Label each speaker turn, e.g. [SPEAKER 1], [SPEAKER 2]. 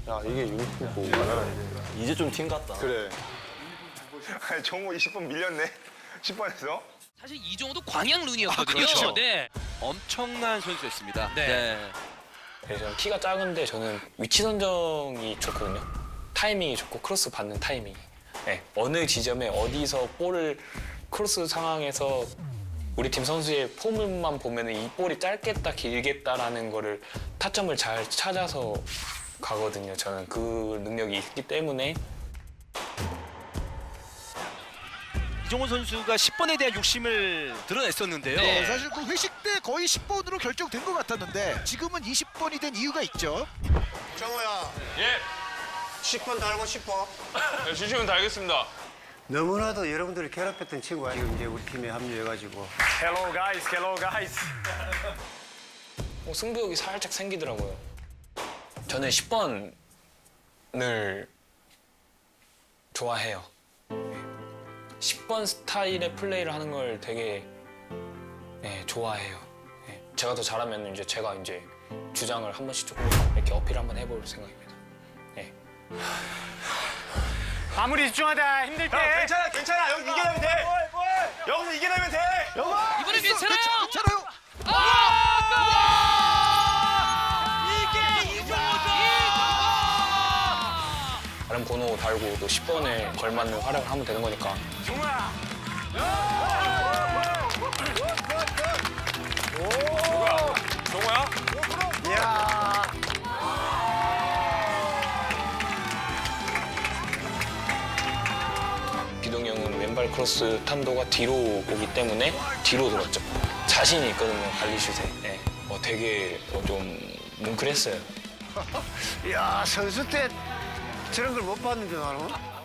[SPEAKER 1] 야, 이게 유니폼고.
[SPEAKER 2] 이제 좀 팀 같다.
[SPEAKER 1] 그래.
[SPEAKER 3] 아니, 정우 20번 밀렸네. 10번에서.
[SPEAKER 4] 사실 이종호도 광양 룬이었거든요.
[SPEAKER 5] 그렇죠.
[SPEAKER 4] 네.
[SPEAKER 5] 엄청난 선수였습니다.
[SPEAKER 4] 네.
[SPEAKER 6] 저는 키가 작은데 저는 위치 선정이 좋거든요. 타이밍이 좋고 크로스 받는 타이밍이. 네, 어느 지점에 어디서 볼을 크로스 상황에서 우리 팀 선수의 폼만 보면 이 볼이 짧겠다 길겠다라는 거를 타점을 잘 찾아서 가거든요. 저는 그 능력이 있기 때문에.
[SPEAKER 5] 이종호 선수가 10번에 대한 욕심을 드러냈었는데요.
[SPEAKER 4] 네.
[SPEAKER 7] 사실 그 회식 때 거의 10번으로 결정된 것 같았는데 지금은 20번이 된 이유가 있죠.
[SPEAKER 8] 정호야. 예. 10번 달고 싶어.
[SPEAKER 3] 네, 주시면 다 알겠습니다.
[SPEAKER 8] 너무나도 여러분들을 괴롭혔던 친구가 지금 이제 우리 팀에 합류해가지고.
[SPEAKER 3] Hello guys, hello guys.
[SPEAKER 6] 승부욕이 살짝 생기더라고요. 저는 10번을 좋아해요. 10번 스타일의 플레이를 하는 걸 되게 좋아해요. 제가 더 잘하면 이제 제가 이제 주장을 한 번씩 조금 이렇게 어필 한번 해볼 생각입니다.
[SPEAKER 3] 아무리 집중하다 힘들 때. 괜찮아, 괜찮아. 여기 이겨내면 돼. 여기서 이겨내면 돼.
[SPEAKER 4] 이번엔 괜찮아요.
[SPEAKER 7] 괜찮아요.
[SPEAKER 4] 이게 이종호죠.
[SPEAKER 6] 다른 번호 달고 또 10번에 걸맞는 활약을 하면 되는 거니까.
[SPEAKER 3] 정우야. 정우야?
[SPEAKER 6] 기동이 형은 왼발 크로스 탄도가 뒤로 오기 때문에 뒤로 들었죠. 자신이 있거든요, 관리슛에. 되게 좀 뭉클했어요.
[SPEAKER 8] 야, 선수 때 저런 걸 못 봤는데 나는.